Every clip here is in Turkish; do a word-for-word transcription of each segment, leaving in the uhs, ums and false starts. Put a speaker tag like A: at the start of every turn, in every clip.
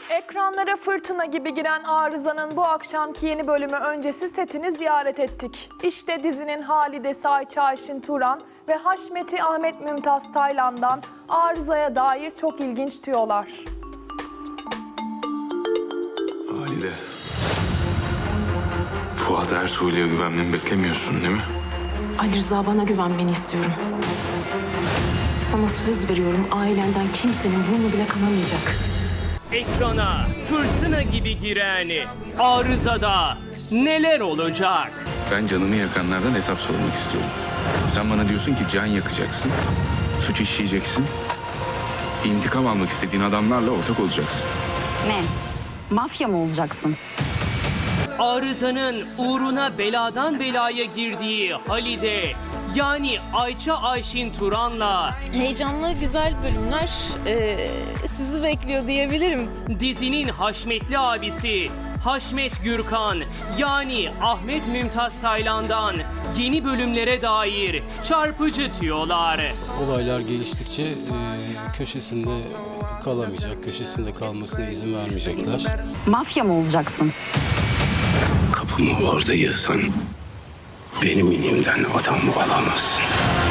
A: Ekranlara fırtına gibi giren Arıza'nın bu akşamki yeni bölümü öncesi setini ziyaret ettik. İşte dizinin Halidesi Ayça Ayşin Turan ve Haşmet'i Ahmet Mümtaz Taylan'dan Arıza'ya dair çok ilginç tüyolar.
B: Halide, Fuat Ertuğrul'a güvenmemi beklemiyorsun değil mi?
C: Ali Rıza, bana güvenmeni istiyorum. Sana söz veriyorum, ailenden kimsenin burnu bile kanamayacak.
D: Ekrana fırtına gibi giren Arıza'da neler olacak?
B: Ben canımı yakanlardan hesap sormak istiyorum. Sen bana diyorsun ki can yakacaksın, suç işleyeceksin, intikam almak istediğin adamlarla ortak olacaksın.
E: Ne? Mafya mı olacaksın?
D: Arıza'nın uğruna beladan belaya girdiği Halide, yani Ayça Ayşin Turan'la
F: Heyecanlı, güzel bölümler eee, sizi bekliyor diyebilirim.
D: dizinin Haşmetli abisi Haşmet Gürkan, yani Ahmet Mümtaz Taylan'dan yeni bölümlere dair çarpıcı tüyolar.
G: Olaylar geliştikçe e, köşesinde kalamayacak, köşesinde kalmasına izin vermeyecekler.
E: Mafya mı olacaksın?
H: Kapımı orada yığsan benim inimden adam alamazsın.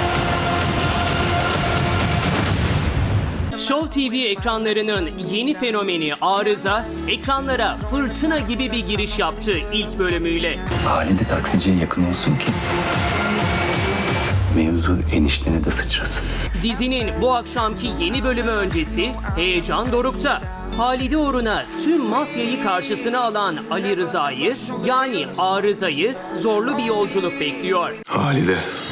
D: Show T V ekranlarının yeni fenomeni Arıza, ekranlara fırtına gibi bir giriş yaptı ilk bölümüyle.
H: Halide taksiciye yakın olsun ki mevzu eniştene de sıçrasın.
D: Dizinin bu akşamki yeni bölümü öncesi heyecan dorukta. Halide uğruna tüm mafyayı karşısına alan Ali Rıza'yı, yani Arıza'yı zorlu bir yolculuk bekliyor.
B: Halide,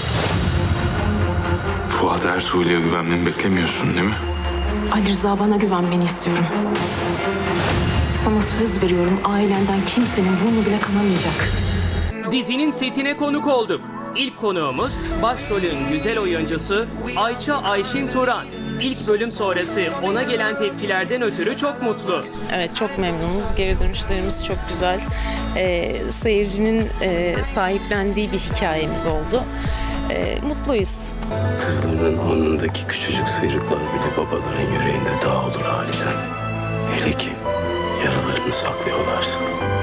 B: Fuat Ertuğrul'a güvenmemi beklemiyorsun değil mi?
C: Ali Rıza, bana güvenmeni istiyorum. Sana söz veriyorum, ailenden kimsenin burnu bile kanamayacak.
D: Dizinin setine konuk olduk. İlk konuğumuz başrolün güzel oyuncusu Ayça Ayşin Turan. İlk bölüm sonrası ona gelen tepkilerden ötürü çok mutlu.
F: Evet, çok memnunuz. Geri dönüşlerimiz çok güzel. Eee, seyircinin eee, sahiplendiği bir hikayemiz oldu. Eee, mutluyuz.
H: Kızlarının alnındaki küçücük sıyrıklar bile babaların yüreğinde dağ olur Halide. Hele ki yaralarını saklıyorlarsa.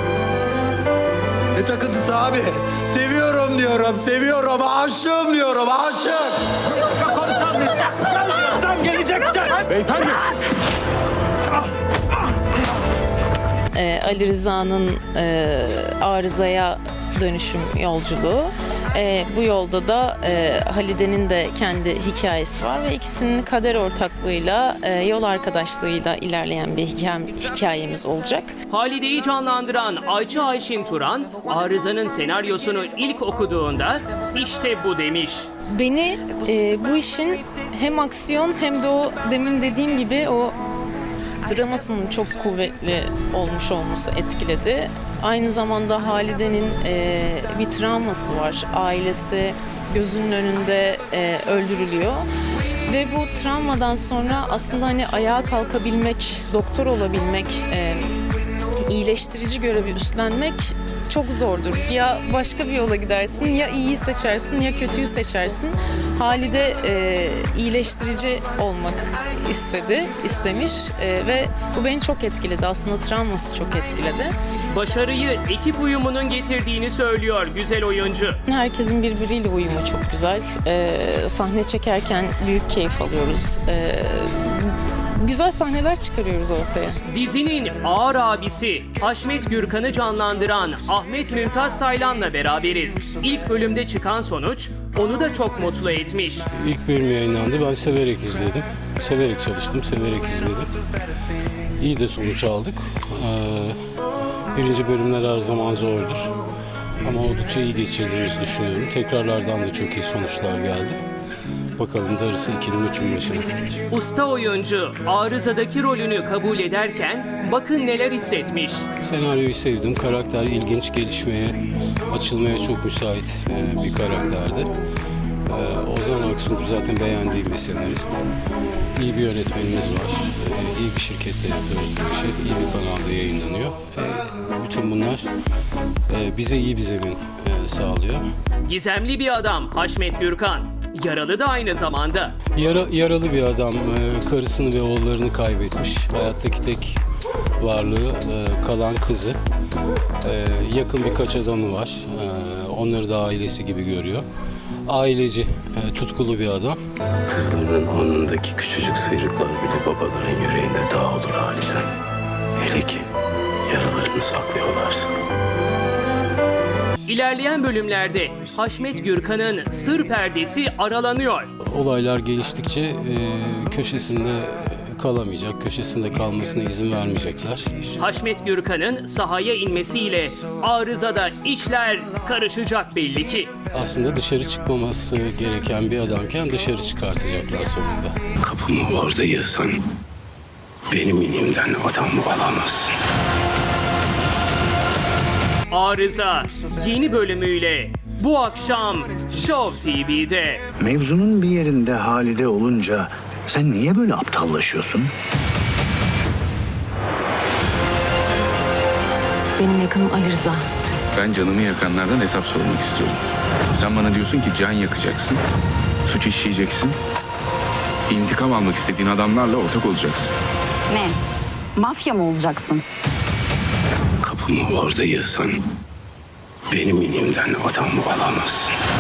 I: Ne takıntısı abi? Seviyorum diyorum, seviyorum, aşığım diyorum, aşık. Sen geleceksin. Beyefendi.
F: Eee, Ali Rıza'nın eee, Arıza'ya dönüşüm yolculuğu. Eee, bu yolda da eee, Halide'nin de kendi hikayesi var ve ikisinin kader ortaklığıyla, eee, yol arkadaşlığıyla ilerleyen bir hikayem- hikayemiz olacak.
D: Halide'yi canlandıran Ayça Ayşin Turan, Arıza'nın senaryosunu ilk okuduğunda işte bu demiş.
F: Beni eee, bu işin hem aksiyon hem de o demin dediğim gibi o dramasının çok kuvvetli olmuş olması etkiledi. Aynı zamanda Halide'nin eee, bir travması var. Ailesi gözünün önünde eee, öldürülüyor. Ve bu travmadan sonra aslında hani ayağa kalkabilmek, doktor olabilmek, eee, iyileştirici görevi üstlenmek çok zordur. Ya başka bir yola gidersin, ya iyiyi seçersin, ya kötüyü seçersin. Halide e, iyileştirici olmak istedi, istemiş e, ve bu beni çok etkiledi. Aslında travması çok etkiledi.
D: Başarıyı ekip uyumunun getirdiğini söylüyor güzel oyuncu.
F: Herkesin birbiriyle uyumu çok güzel. E, sahne çekerken büyük keyif alıyoruz. E, güzel sahneler çıkarıyoruz ortaya.
D: Dizinin ağır abisi Haşmet Gürkan'ı canlandıran Ahmet Mümtaz Taylan'la beraberiz. İlk bölümde çıkan sonuç onu da çok mutlu etmiş.
G: İlk bölüm yayınlandı, ben severek izledim. Severek çalıştım, severek izledim. İyi de sonuç aldık. Ee, birinci bölümler her zaman zordur. Ama oldukça iyi geçirdiğimizi düşünüyorum. Tekrarlardan da çok iyi sonuçlar geldi. Bakalım darısı ikinin üçün başına.
D: Usta oyuncu Arıza'daki rolünü kabul ederken bakın neler hissetmiş.
G: Senaryoyu sevdim. Karakter ilginç, gelişmeye, açılmaya çok müsait e, bir karakterdi. E, Ozan Aksungur zaten beğendiğim bir senarist. İyi bir yönetmenimiz var. E, iyi bir şirkette yapıyoruz bu işi. İyi bir kanalda yayınlanıyor. E, bütün bunlar e, bize iyi bir zemin e, sağlıyor.
D: Gizemli bir adam Haşmet Gürkan. Yaralı da aynı zamanda.
G: Yara, yaralı bir adam. E, karısını ve oğullarını kaybetmiş. Hayattaki tek varlığı e, kalan kızı. E, yakın birkaç adamı var. E, onları da ailesi gibi görüyor. Aileci, e, tutkulu bir adam.
H: Kızlarının alnındaki küçücük sıyrıklar bile babaların yüreğinde dağ olur Halide. Hele ki yaralarını saklıyorlarsa.
D: İlerleyen bölümlerde Haşmet Gürkan'ın sır perdesi aralanıyor.
G: Olaylar geliştikçe e, köşesinde kalamayacak, köşesinde kalmasına izin vermeyecekler.
D: Haşmet Gürkan'ın sahaya inmesiyle arızada işler karışacak belli ki.
G: Aslında dışarı çıkmaması gereken bir adamken dışarı çıkartacaklar sonunda.
H: Kapımı orada yığsan benim elimden adam alamazsın.
D: Arıza yeni bölümüyle bu akşam Show T V'de.
I: Mevzunun bir yerinde Halide olunca sen niye böyle aptallaşıyorsun?
C: Benim yakınım Ali Rıza.
B: Ben canımı yakanlardan hesap sormak istiyorum. Sen bana diyorsun ki can yakacaksın, suç işleyeceksin, intikam almak istediğin adamlarla ortak olacaksın.
E: Ne? Mafya mı olacaksın?
H: Kapımı orada yığsan benim elimden adam alamazsın.